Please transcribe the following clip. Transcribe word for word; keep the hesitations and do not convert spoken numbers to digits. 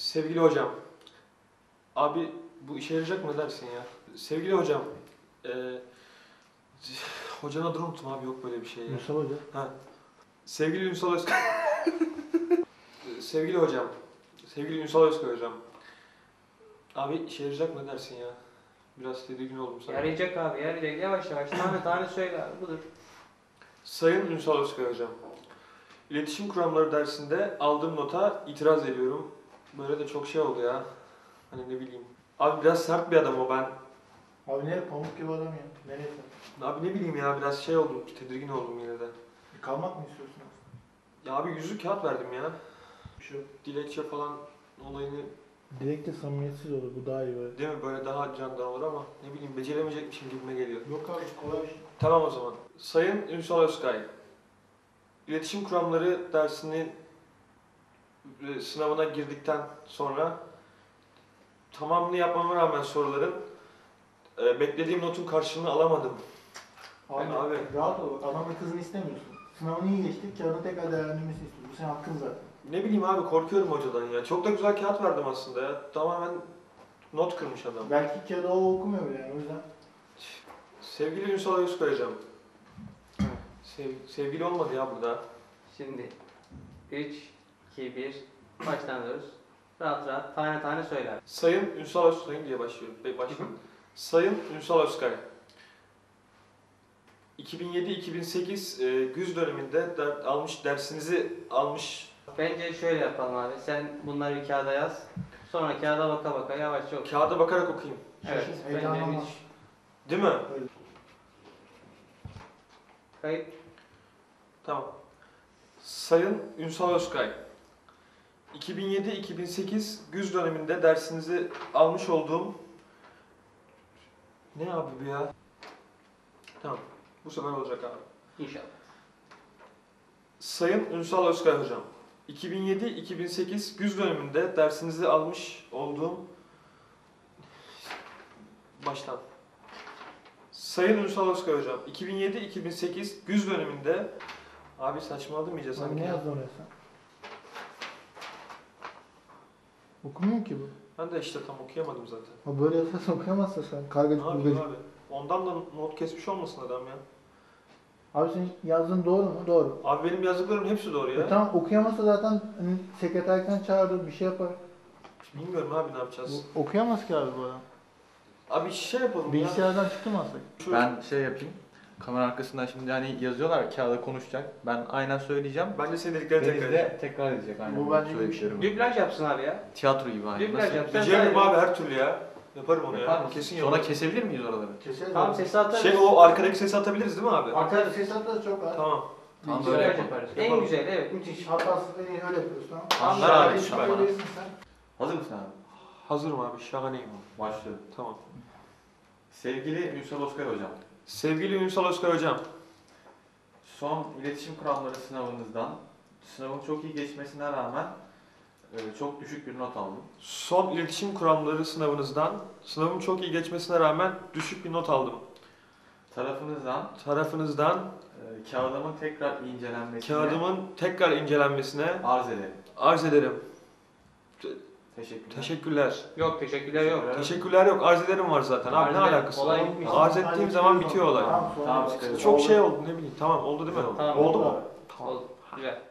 Sevgili hocam, abi bu işe yarayacak mı dersin ya? Sevgili hocam, e, hocanın adını unuttum abi, yok böyle bir şey ya. Ünsal Hoca. Ha. Sevgili Ünsal Özkay. Sevgili hocam, sevgili Ünsal Özkay hocam. Abi işe yarayacak mı dersin ya? Biraz tedirgin oldum sana. Yarayacak abi, yarayacak. Yavaş yavaş tane tane söyle abi, budur. Sayın Ünsal Özkay hocam, İletişim kuramları dersinde aldığım nota itiraz ediyorum. Böyle de çok şey oldu ya. Hani ne bileyim. Abi biraz sert bir adam o, ben. Abi ne pamuk gibi adam ya. Nereye sen? Abi ne bileyim ya, biraz şey oldum, tedirgin oldum yine de. E, kalmak mı istiyorsun aslında? Ya abi yüzük kağıt verdim ya. Bir şey yok. Dilekçe falan olayını, Dilekte samimiyetsiz olur. Bu daha iyi böyle. değil mi, böyle daha candan olur ama ne bileyim beceremeyecekmişim gibime geliyor. Yok abi kolay bir şey. Tamam o zaman. Sayın Ünsal Özkay, İletişim kuramları dersinin e, sınavına girdikten sonra tamamını yapmama rağmen soruların e, beklediğim notun karşılığını alamadım. Abi, Ben abi- rahat ol. Adamın kızını istemiyorsun. Sınavını iyi geçtik. Kağıdını tekrar değerlendirmesini istiyorsun. Bu senin hakkın zaten. Ne bileyim abi, korkuyorum hocadan ya. Çok da güzel kağıt verdim aslında ya. Tamamen not kırmış adam. Belki kağıdı o okumuyor bile yani o yüzden. Sevgili Ünsal Özkay hocam. Sev, sevgili olmadı ya burada. Şimdi üç, iki, bir, baştan alıyoruz. Rahat rahat tane tane söyle abi. Sayın Ünsal Özkay diye başlıyor. Be- Başlayalım. Sayın Ünsal Özkay. iki bin yedi iki bin sekiz e, güz döneminde der, almış dersinizi almış. Bence şöyle yapalım abi. Sen bunları bir kağıda yaz. Sonra kağıda baka baka yavaşça oku. Kağıda bakarak okuyayım. Evet. Şaşırın, Bence heyecanlanma. müthiş. Değil mi? Kayıt. Tamam. Sayın Ünsal Özkay. iki bin yedi iki bin sekiz güz döneminde dersinizi almış olduğum... Ne abi bu ya? Tamam. Bu sefer olacak abi. İnşallah. Sayın Ünsal Özkay hocam. iki bin yedi iki bin sekiz güz döneminde dersinizi almış olduğum... Baştan. Sayın Ünsal Özkay hocam. iki bin yedi iki bin sekiz güz döneminde... Abi saçmaladım iyice Abi sanki. ne ya. yazdın oraya sen? Okumuyor ki bu. Ben de işte tam okuyamadım zaten. Ha böyle yazarsan okuyamazsın sen. Kargacık Ne yapayım burgacık. abi? Ondan da not kesmiş olmasın adam ya. Abi senin yazdığın doğru mu? Doğru. Abi benim yazdıklarımın hepsi doğru ya. E tamam okuyamazsa zaten hani, sekreterken çağırır bir şey yapar. Bilmiyorum abi ne yapacağız. Bu, okuyamaz ki abi bu adam. Abi şey yapalım ya. Bilgisayardan çıktı mı aslında? Şu- Ben şey yapayım. Kamera arkasından şimdi hani yazıyorlar kağıda konuşacak. Ben aynen söyleyeceğim. Bence senin dediklerini Deniz tekrar de edeceğim. tekrar edecek aynen. Bu Bu bence iyi bir şey. söylediklerimi. Dublaj yapsın abi ya. Tiyatro gibi aynen. Dublaj Nasıl? yap. Sen Beceririm daha iyi. abi her türlü ya. Yaparım onu Yapar ya. mısın? Kesin Sonra yaparım. kesebilir miyiz oraları? Keseriz Tamam abi. sesi atarız. Şey o arkadaki sesi atabiliriz değil mi abi? Atarız. Ses atarız çok var. Tamam. Tamam, Dublaj böyle yaparız. yaparız. En Yapalım. güzel, evet, müthiş. Hatasız en iyi öyle yapıyoruz tamam. Anlar abi, Şöyle süper. söyleyebilirsin sen. Hazır mısın abi? Hazırım abi, şahaneyim. Başlıyorum. Tamam. Sevgili Ünsal Özkay hocam. Sevgili Ünsal Özkay hocam. Son iletişim kuramları sınavınızdan sınavın çok iyi geçmesine rağmen e, çok düşük bir not aldım. Son iletişim kuramları sınavınızdan sınavın çok iyi geçmesine rağmen düşük bir not aldım. Tarafınızdan Tarafınızdan e, kağıdımın tekrar incelenmesine kağıdımın tekrar incelenmesine arz ederim. arz ederim. Teşekkürler. Teşekkürler. Yok, teşekkürler yok. Evet. Teşekkürler yok, arz ederim var zaten. Abi ne Arz ederim. alakası Olay var? bitmiş. Arz ettiğim zaman bitiyor olay. Tamam, sonra Tamam, bak. çıkarız. Çok şey oldu ne bileyim. Tamam oldu değil mi? Tamam. Oldu mu? Oldu. Güzel.